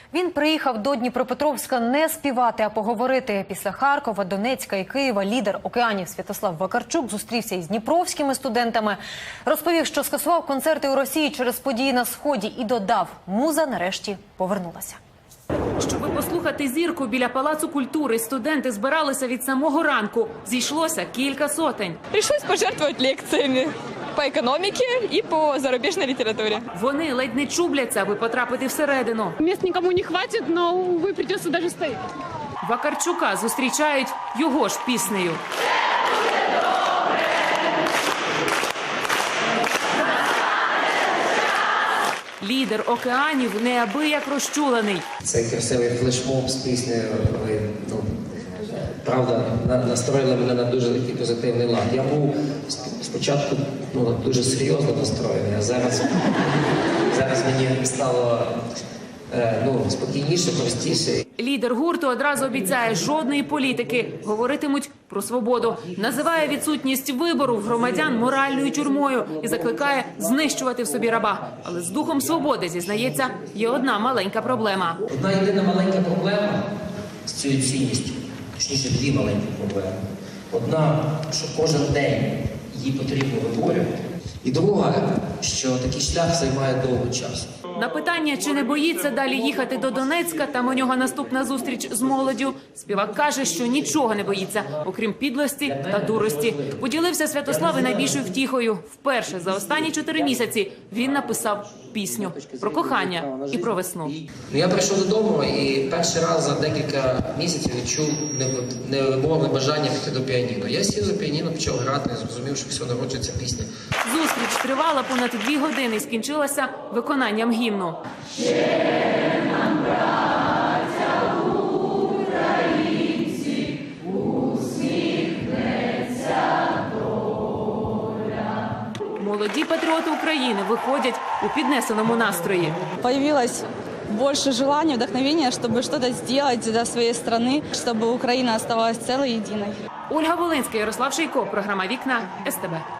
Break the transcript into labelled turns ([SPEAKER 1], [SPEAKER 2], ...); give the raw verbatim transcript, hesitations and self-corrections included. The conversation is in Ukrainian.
[SPEAKER 1] Він приїхав до Дніпропетровська не співати, а поговорити. Після Харкова, Донецька і Києва лідер «Океанів» Святослав Вакарчук зустрівся із дніпровськими студентами. Розповів, що скасував концерти у Росії через події на Сході і додав – муза нарешті повернулася.
[SPEAKER 2] Щоби послухати зірку біля Палацу культури, студенти збиралися від самого ранку. Зійшлося кілька сотень.
[SPEAKER 3] Пришлось пожертвовать лекциями по економіці і по зарубіжній літературі.
[SPEAKER 2] Вони ледь не чубляться, аби потрапити всередину.
[SPEAKER 4] Мест никому не хватит, но, увы, придется даже стоять.
[SPEAKER 2] Вакарчука зустрічають його ж піснею. Лідер «Океанів» неабияк розчулений.
[SPEAKER 5] Цей красивий флешмоб з піснею, ви, ну, правда, настроїли мене на дуже такий позитивний лад. Я був спочатку ну, дуже серйозно настроєний, а зараз, зараз мені стало ну, спокійніше, простіше.
[SPEAKER 2] Лідер гурту одразу обіцяє жодної політики. Говоритимуть про свободу. Називає відсутність вибору в громадян моральною тюрмою і закликає знищувати в собі раба. Але з духом свободи, зізнається, є одна маленька проблема.
[SPEAKER 5] Одна єдина маленька проблема з цією цінністю, точніше дві маленькі проблеми. Одна, що кожен день її потрібно виборювати. І друга, що такий шлях займає довго часу.
[SPEAKER 2] На питання, чи не боїться далі їхати до Донецька, там у нього наступна зустріч з молоддю, співак каже, що нічого не боїться, окрім підлості та дурості. Поділився Святослав і найбільшою втіхою. Вперше за останні чотири місяці він написав пісню про кохання і про весну.
[SPEAKER 5] Я прийшов додому і перший раз за декілька місяців відчув невимовне бажання піти до піаніно. Я сів за піаніно, почав грати, зрозумів, що все народжується пісня.
[SPEAKER 2] Зустріч тривала понад дві години і скінчилася виконанням гімну. Молоді патріоти України виходять у піднесеному настрої.
[SPEAKER 3] Появилось больше желания, вдохновения, чтобы что-то сделать для своей страны, чтобы Украина оставалась целой и единой.
[SPEAKER 2] Ольга Волинська, Ярослав Шийко, програма «Вікна», ес те бе.